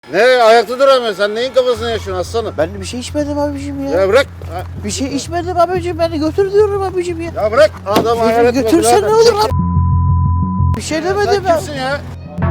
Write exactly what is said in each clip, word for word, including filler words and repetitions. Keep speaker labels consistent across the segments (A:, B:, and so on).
A: Ne ayakta duramıyorsun sen neyin kafasını yaşıyorsun aslanım?
B: Ben bir şey içmedim abicim ya.
A: Ya bırak.
B: Bir şey içmedim abicim, beni götür diyorum abicim ya.
A: Ya bırak adamı hayal etme.
B: Götürsen ne olur abi? Bir şey demedim
A: Sen
B: ben.
A: kimsin ya?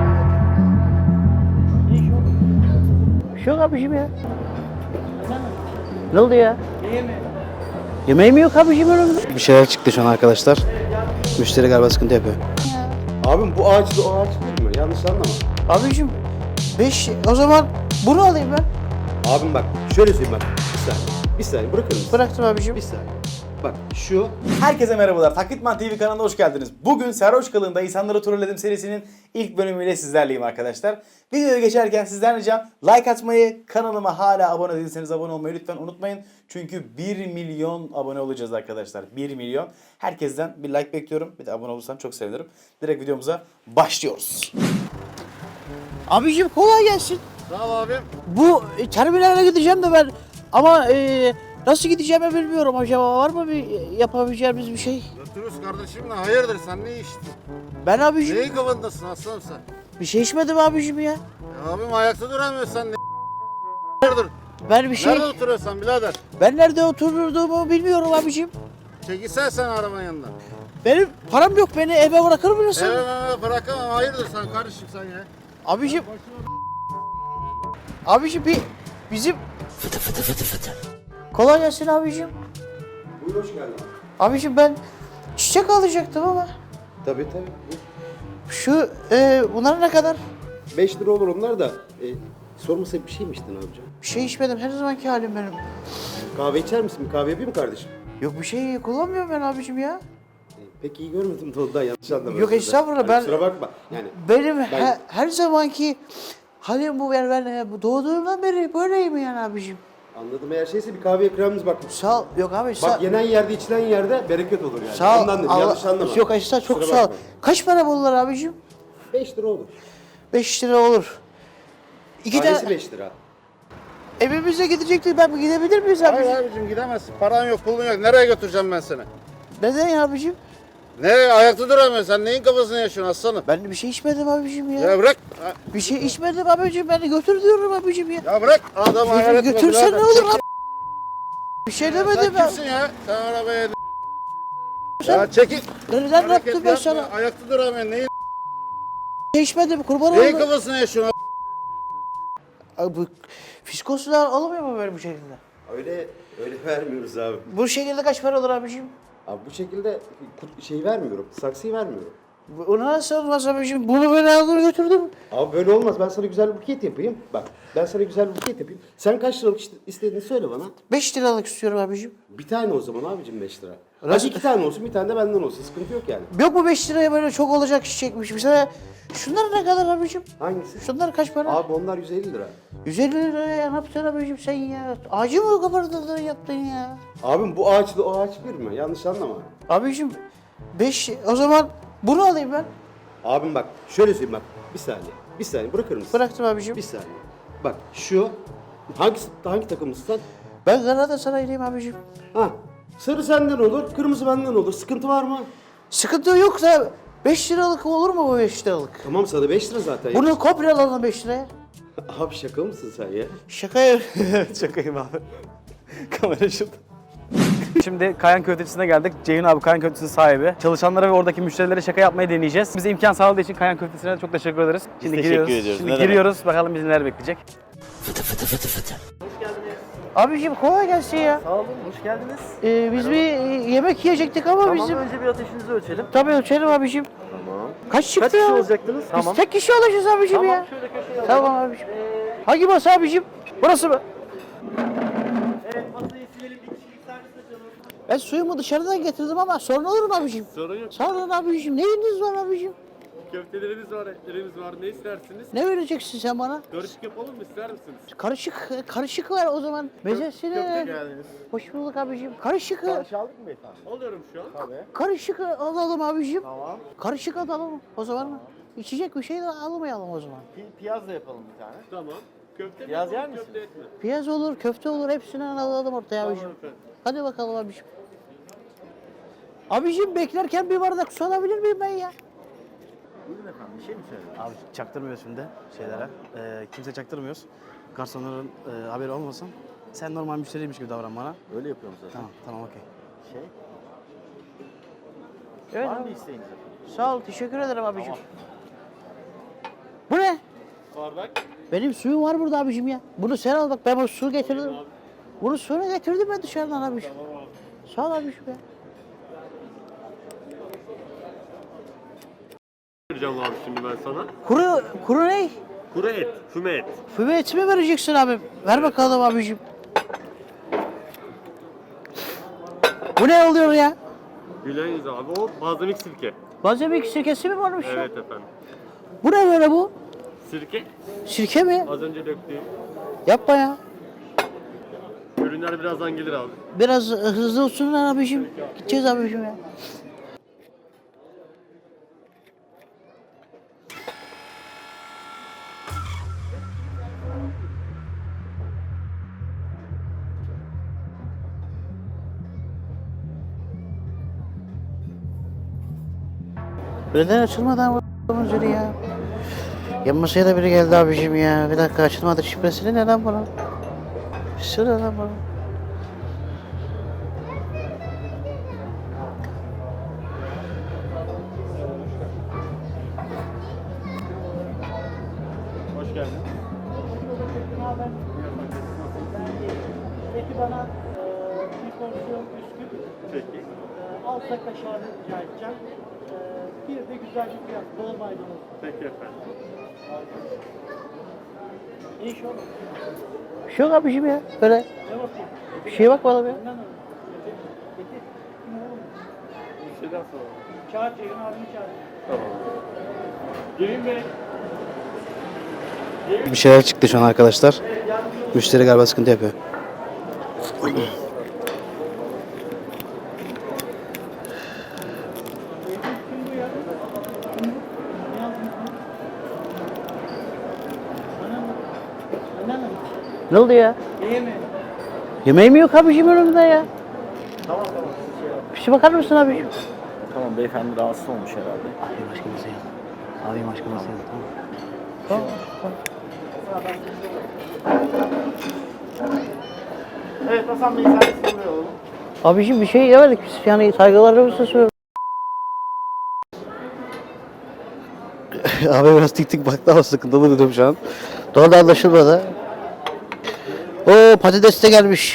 B: Bir şey yok abicim ya. Ne oldu ya? Yemeği mi yok abicim önümde?
C: Bir şeyler çıktı şu an arkadaşlar. Müşteri galiba sıkıntı yapıyor.
D: Abim bu ağaçlı o ağaç değil mi? Yanlış anlama.
B: Abicim beş, o zaman bunu alayım ben.
D: Abim bak şöyle söyleyeyim bak. Bir saniye. Bir saniye bırakır mısın?
B: Bıraktım abicim.
D: Bir saniye. Bak şu.
E: Herkese merhabalar. Taklitman T V kanalına hoş geldiniz. Bugün Sarhoş Kılığında İnsanları Trolledim serisinin ilk bölümüyle sizlerleyim arkadaşlar. Videoya geçerken sizden ricam like atmayı, kanalıma hala abone değilseniz abone olmayı lütfen unutmayın. Çünkü bir milyon abone olacağız arkadaşlar. bir milyon. Herkesten bir like bekliyorum. Bir de abone olursan çok sevinirim. Direkt videomuza başlıyoruz.
B: Abicim kolay gelsin.
A: Sağ ol abim.
B: Bu e, terminale gideceğim de ben ama e, nasıl gideceğimi bilmiyorum. Acaba var mı bir yapabileceğimiz bir şey?
A: Götürürüz kardeşimle hayırdır sen ne içtin?
B: Ben abicim
A: Neyin kafandasın aslanım sen?
B: bir şey içmedim abicim ya.
A: Ya abim ayakta duramıyorsun sen ne hayırdır?
B: Ben bir şey
A: Nerede oturuyorsun sen birader?
B: ben nerede oturduğumu bilmiyorum abicim.
A: Çekilsene sen arabanın yanından.
B: Benim param yok, beni eve bırakır mısın?
A: Evet evet bırakamam hayırdır sen kardeşim sen ya.
B: Abicim Abicim bir bizim fıtı fıtı fıtı fıtı. Kolay gelsin abicim.
D: Buyur hoş geldin.
B: Abicim ben çiçek alacaktım ama
D: Tabii tabii.
B: şu e, bunlar ne kadar?
D: beş lira olur onlar da. E, sormasa bir şey mi içtin abicim?
B: Bir şey içmedim, her zamanki halim benim.
D: Kahve içer misin? Bir kahve yapayım mı kardeşim?
B: Yok bir şey kullanmıyorum ben abicim ya.
D: E, pek iyi görmedim de ondan yanlış anlama.
B: Yok, estağfurullah, ben-
D: Kusura bakma. Yani
B: Benim he- her zamanki halim bu, ben, ben e, bu doğduğumdan beri böyleyim yani abicim.
D: anladım eğer şeyse bir kahve ikramımız bak.
B: Sağ ol. Yok abi sağ
D: Bak yenen yerde içilen yerde bereket olur yani.
B: Sağ ol.
D: Ondan dedim
B: Allah-
D: yanlış anlama.
B: Yok estağfurullah, çok
D: Kusura
B: sağ ol.
D: bakma.
B: Kaç para bunlar abicim?
D: beş lira olur.
B: beş lira olur. İki
D: Tanesi
B: tane
D: beş lira.
B: evimize gidecektik, ben gidebilir miyiz abicim?
A: Hayır abicim gidemezsin paran yok pulun yok nereye götüreceğim ben seni?
B: Neden ya abicim?
A: Ne ayakta duramıyorsun sen neyin kafasını yaşıyorsun aslanım?
B: Ben bir şey içmedim abicim ya.
A: Ya bırak.
B: Bir şey içmedim abicim, beni götür diyorum abicim ya.
A: Ya bırak adamı hayal etme.
B: Götürsen
A: birader.
B: ne olur abi? Bir şey
A: Sen
B: demedim ben.
A: kimsin ya? Sen arabaya Ya çekil.
B: Neden
A: Hareket
B: yaptım ben
A: yapma,
B: sana?
A: Ayakta duramıyorsun. Neyin,
B: Bir şey içmedim, kurban
A: neyin
B: olayım.
A: kafasını yaşıyorsun?
B: Abi bu fiskoslar alamıyor mu böyle bu şekilde?
D: Öyle öyle vermiyoruz abi.
B: Bu şekilde kaç para olur abicim?
D: Abi bu şekilde kut- şey vermiyorum. Saksıyı vermiyorum.
B: Bu- Onu nasıl olmaz abicim? Bunu ben aldım götürdüm.
D: Abi böyle olmaz. Ben sana güzel bir buket yapayım. Bak ben sana güzel bir buket yapayım. Sen kaç liralık işte- istediğini söyle bana.
B: beş liralık istiyorum abicim.
D: Bir tane o zaman abicim beş lira.
B: Nasıl-
D: Hadi iki tane olsun bir tane de benden olsun. Sıkıntı yok yani.
B: Yok mu beş liraya böyle çok olacak çiçekmiş? Mesela şunlar ne kadar abicim?
D: Hangisi?
B: Şunlar kaç para?
D: Abi onlar yüz elli lira.
B: yüz elli liraya ne yapacaksın abicim sen ya? Ağacı mı kapardın yaptın ya?
D: Abim bu ağaçla o ağaç bir mi? Yanlış anlama.
B: Abicim beş, o zaman bunu alayım ben.
D: Abim bak şöyle söyleyeyim bak. Bir saniye. Bir saniye bırakır mısın?
B: Bıraktım abicim.
D: Bir saniye. Bak şu hangisi hangi takımlısın sen?
B: Ben Galatasaraylıyım abicim.
D: Ha. Sarı senden olur, kırmızı benden olur. Sıkıntı var mı?
B: Sıkıntı yok da beş liralık olur mu bu beş liralık?
D: Tamam sana beş lira zaten.
B: Bunu komple alalım beş liraya.
D: Abi şaka mısın sen ya?
B: Şaka ya.
E: Şakayım abi. Kamera şurada. Şimdi Kayan Köftecisi'ne geldik. Ceyhun abi Kayan Köftecisi'nin sahibi. Çalışanlara ve oradaki müşterilere şaka yapmayı deneyeceğiz. Bize imkan sağladığı için Kayan Köftecisi'ne de çok teşekkür ederiz. Şimdi
F: teşekkür
E: giriyoruz.
F: ediyoruz.
E: Şimdi
F: Ne demek.
E: giriyoruz. Bakalım bizi neler bekleyecek.
B: Abicim kolay gelsin ya.
F: Sağ olun, hoş geldiniz.
B: Ee, biz bir e, yemek yiyecektik ama
F: Tamam,
B: bizim...
F: önce bir ateşinizi ölçelim.
B: Tabii ölçelim abicim.
F: Tamam.
B: Kaç çıktı
F: Kaç
B: ya?
F: kişi olacaktınız?
B: Biz
F: Tamam.
B: tek kişi olacağız abicim
F: Tamam,
B: ya.
F: şöyle köşeye
B: Tamam abicim. Hangi masa abicim? Burası mı?
F: Evet, masayı silelim, bir kişilik servis açalım.
B: Ben suyumu dışarıdan getirdim ama sorun olur mu abicim?
F: Sorun yok.
B: Sağ olun abicim. Neyiniz var abicim?
F: Köftelerimiz var, etlerimiz var. Ne istersiniz?
B: Ne vereceksin sen bana?
F: Karışık yapalım mı, ister misiniz?
B: Karışık, karışık ver o zaman. Mezesini.
F: geldiniz.
B: Hoş bulduk abicim. Karışık,
F: aldık mı beyefendi? Alıyorum şu an. Tabii.
B: karışık alalım abicim.
F: Tamam.
B: Karışık alalım o zaman. İçecek bir şey de almayalım o zaman.
F: Piyaz da yapalım bir tane. Tamam. Köfte mi?
G: Piyaz yer misiniz?
F: Köfte et mi?
B: Piyaz olur, köfte olur. Hepsinden alalım ortaya abicim.
F: efendim.
B: Hadi bakalım abicim. Abicim beklerken bir bardak su alabilir miyim ben ya?
F: Buyurun efendim. Bir şey mi söylediniz?
C: Abi çaktırmıyoruz şimdi şeylere. Ee, kimse çaktırmıyoruz. Garsonların e, haberi olmasın. Sen normal müşteriymiş gibi davran bana.
F: Öyle yapıyorum zaten.
C: Tamam, tamam okey.
F: Şey,
B: Evet
F: var mı
B: abi.
F: bir isteğiniz efendim?
B: Sağ ol, teşekkür ederim abicim. Bu ne?
F: Bardak.
B: Benim suyum var burada abicim ya. Bunu sen al bak, ben bu su getirdim. Bunu suyunu getirdim ben dışarıdan abicim. Sağ ol abicim ya.
G: Vereceğim abi şimdi ben sana.
B: Kuru, kuru ne?
G: Kuru et, füme et.
B: Füme eti mi vereceksin abim? Ver bakalım abicim. Bu ne oluyor ya?
G: Güleyiz abi. O balzamik sirke.
B: Malzeme sirkesi mi varmış ya?
G: Evet efendim.
B: Bu ne böyle bu?
G: Sirke
B: Sirke mi?
G: az önce döktüğüm.
B: Yapma ya.
G: Ürünler birazdan gelir abi.
B: Biraz hızlı olsun lan abicim. Gideceğiz abicim ya. Neden açılmadı ama zili ya? Yan masaya da biri geldi abicim ya. Bir dakika açılmadı şifresini neden bana? Bir sürü neden bana?
G: Hoş geldin.
F: Peki bana e, bir porsiyon bisküvi,
G: Peki.
F: e, altta kaşarlı rica edeceğim. E, bir de güzel bir fiyat, bol maydanoz.
G: Peki efendim.
F: İyi iş olur.
B: Bir şey yok abicim ya. Böyle
F: Ne bakayım?
B: bir şeye bakmadım ya.
F: Benden alın. Getir. Kim oğlum?
G: Bir şeyden sonra.
F: Çağır Ceyhun abini çağır.
G: Tamam. Gelin Bey.
C: Bir şeyler çıktı şu an arkadaşlar. Müşteri galiba sıkıntı yapıyor.
F: Benden alın.
B: Ne oldu ya?
F: İyi mi?
B: Yemeğim yok abicim önümde ya. Tamam tamam. Bir şey bakar mısın abicim?
F: Tamam, beyefendi rahatsız olmuş herhalde.
B: Abi başka masaya al. Abi başka masaya al. Tamam.
F: Evet, Hasan Bey servisini alalım.
B: Abicim bir şey yemedik biz. Yani saygılarımızı sunuyoruz.
C: Abi biraz tik tik baktı ama sıkıntılı dedim şu an.
B: Doğru da anlaşılmadı. Oo patates de gelmiş.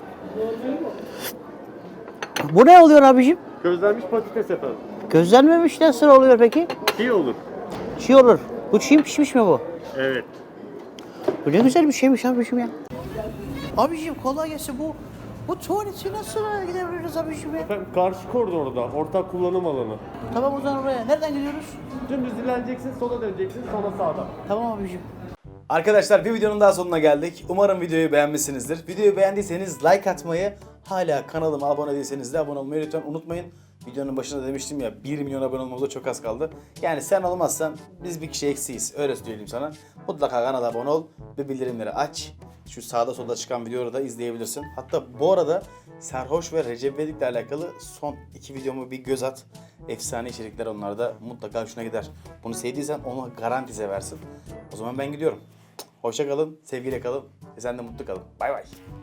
B: Bu ne oluyor abicim?
G: Közlenmiş patates efendim.
B: Gözlenmemiş nasıl oluyor peki?
G: İyi olur.
B: Çiğ olur. Bu çiğ mi pişmiş mi bu?
G: Evet.
B: Bu ne güzel bir şeymiş abicim ya. Abicim kolay gelsin bu. Bu tuvaleti nasıl gidebiliriz abicim ya?
G: Efendim karşı koridorda ortak kullanım alanı.
B: Tamam o zaman oraya. Nereden gidiyoruz?
G: Dümdüz ilerleyeceksin, sola döneceksin, sonra sağdan.
B: Tamam abicim.
E: Arkadaşlar bir videonun daha sonuna geldik. Umarım videoyu beğenmişsinizdir. Videoyu beğendiyseniz like atmayı, hala kanalıma abone değilseniz de abone olmayı lütfen unutmayın. Videonun başında demiştim ya, bir milyon abone olmamıza çok az kaldı. Yani sen olmazsan biz bir kişi eksiyiz. Öyle söyleyeyim sana. Mutlaka kanala abone ol ve bildirimleri aç. Şu sağda solda çıkan videoları da izleyebilirsin. Hatta bu arada Serhoş ve Recep İvedik'le alakalı son iki videomu bir göz at. Efsane içerikler, onlar da mutlaka hoşuna gider. Bunu sevdiysen onu garanti seversin. O zaman ben gidiyorum. Hoşça kalın, sevgiyle kalın ve sen de mutlu kalın. Bay bay.